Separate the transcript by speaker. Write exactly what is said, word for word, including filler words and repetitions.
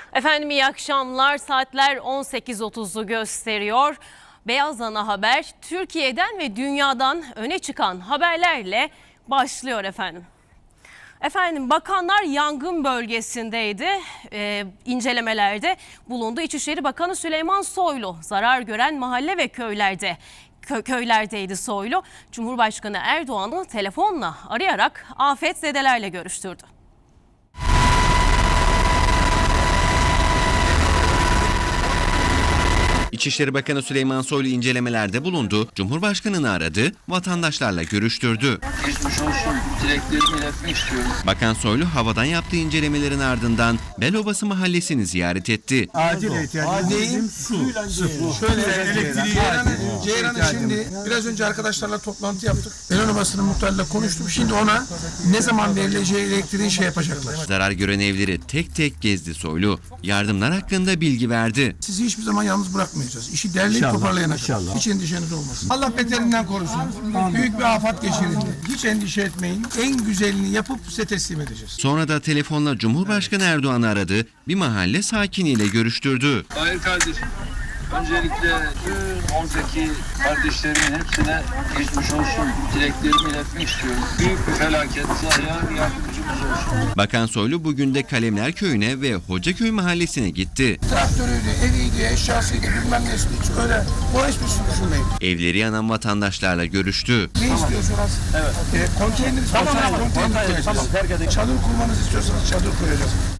Speaker 1: Efendim iyi akşamlar. Saatler on sekiz otuzu gösteriyor. Beyaz Ana Haber Türkiye'den ve dünyadan öne çıkan haberlerle başlıyor efendim. Efendim bakanlar yangın bölgesindeydi, ee, incelemelerde bulundu. İçişleri Bakanı Süleyman Soylu zarar gören mahalle ve köylerde kö köylerdeydi Soylu. Cumhurbaşkanı Erdoğan'ı telefonla arayarak afetzedelerle görüştürdü.
Speaker 2: İçişleri Bakanı Süleyman Soylu incelemelerde bulundu, Cumhurbaşkanı'nı aradı, vatandaşlarla görüştürdü.
Speaker 3: Geçmiş olsun dileklerimi iletmek istiyorum.
Speaker 2: Bakan Soylu havadan yaptığı incelemelerin ardından Belobası mahallesini ziyaret etti.
Speaker 4: Acil ihtiyacımız bizim su.
Speaker 5: Şöyle elektriği Ceyran'ı Ceyran'ı şimdi biraz önce arkadaşlarla toplantı yaptık. Belobası'nın muhtarıyla konuştum. Şimdi ona ne zaman verileceği elektriği şey yapacaklar.
Speaker 2: Zarar gören evleri tek tek gezdi Soylu. Yardımlar hakkında bilgi verdi.
Speaker 5: Sizi hiçbir zaman yalnız bırakmayacağız. İşi derleyip
Speaker 4: İnşallah,
Speaker 5: toparlayana kadar.
Speaker 4: inşallah.
Speaker 5: Hiç endişeniz olmasın. Allah beterinden korusun. Büyük bir afet geçirildi. Hiç endişe etmeyin. En güzelini yapıp size teslim edeceğiz.
Speaker 2: Sonra da telefonla Cumhurbaşkanı Erdoğan'ı aradı, bir mahalle sakiniyle görüştürdü.
Speaker 3: Hayır kardeşim. Öncelikle tüm oradaki kardeşlerimin hepsine geçmiş olsun dileklerimi iletmek istiyorum. Büyük bir felaket. Allah'ın yardımcımız olsun.
Speaker 2: Bakan Soylu bugün de Kalemler Köyü'ne ve Hocaköy mahallesine gitti.
Speaker 5: Traktörüydü, eviydi, eşyasıydı, bilmem nesi. Hiç öyle bu hiçbir şey düşünmeyin.
Speaker 2: Evleri yanan vatandaşlarla görüştü.
Speaker 5: Ne istiyorsunuz? Evet. E, konteyner, tamam, tamam, konteyner, tamam, tamam, çadır kurmanızı istiyorsanız çadır koyacağız.